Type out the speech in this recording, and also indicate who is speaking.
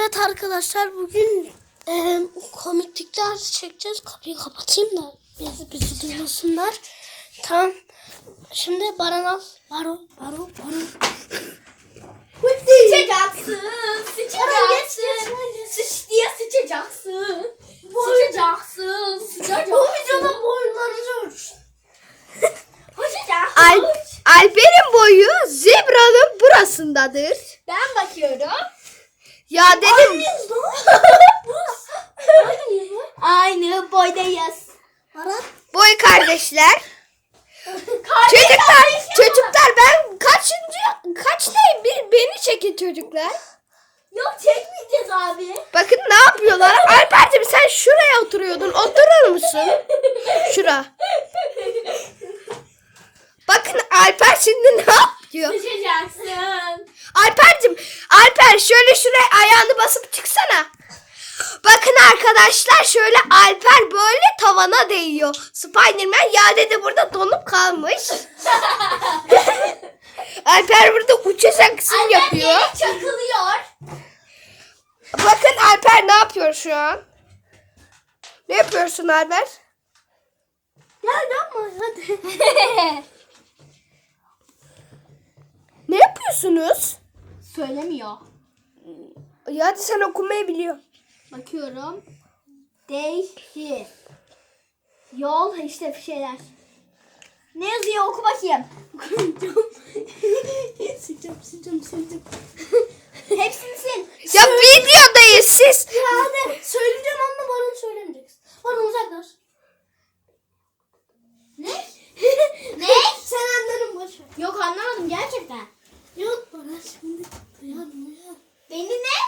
Speaker 1: Evet arkadaşlar, bugün komiklikler çekeceğiz. Kapıyı kapatayım da bizi duymasınlar. Tamam. Şimdi Baran al. Baro.
Speaker 2: Sıçacaksın. Sıç diye sıçacaksın. Sıçacaksın.
Speaker 1: Bu videonun boyunları ölçün.
Speaker 3: Alper'in boyu zebranın burasındadır.
Speaker 2: Ben bakıyorum.
Speaker 3: Ya dedim.
Speaker 2: Aynı boydayız.
Speaker 1: Baran.
Speaker 3: Boy kardeşler.
Speaker 2: Kardeşler.
Speaker 3: Çocuklar ben kaçtayım? Beni çekin çocuklar.
Speaker 2: Yok çekmeyeceğiz abi.
Speaker 3: Bakın ne yapıyorlar. Alper'cim sen şuraya oturuyordun. Oturur musun? Şura. Bakın Alper şimdi ne yapıyor?
Speaker 2: Sıçacaksın.
Speaker 3: Alper şöyle şuraya ayağını basıp çıksana. Bakın arkadaşlar şöyle Alper böyle tavana değiyor. Spiderman yerde de burada donup kalmış. Alper burada uçacak kısım yapıyor.
Speaker 2: Yere çakılıyor.
Speaker 3: Bakın Alper ne yapıyor şu an? Ne yapıyorsun Alper?
Speaker 1: Ya yapma hadi.
Speaker 3: Ne yapıyorsunuz?
Speaker 2: Söylemiyor.
Speaker 3: Ya hadi sen okumayı biliyorsun.
Speaker 2: Bakıyorum. Değişir. Yol işte bir şeyler. Ne yazıyor oku bakayım.
Speaker 1: Sileceğim.
Speaker 2: Hepsini sil.
Speaker 3: Ya videodayız siz.
Speaker 1: Ya hadi söyleyeceğim ama Baran söylemeyeceksin. Baran uzaklaş.
Speaker 2: Ne? Ne?
Speaker 1: Sen anladın boş ver.
Speaker 2: Yok anlamadım gerçekten.
Speaker 1: Yok Baran şimdi uyan.
Speaker 2: Beni ne?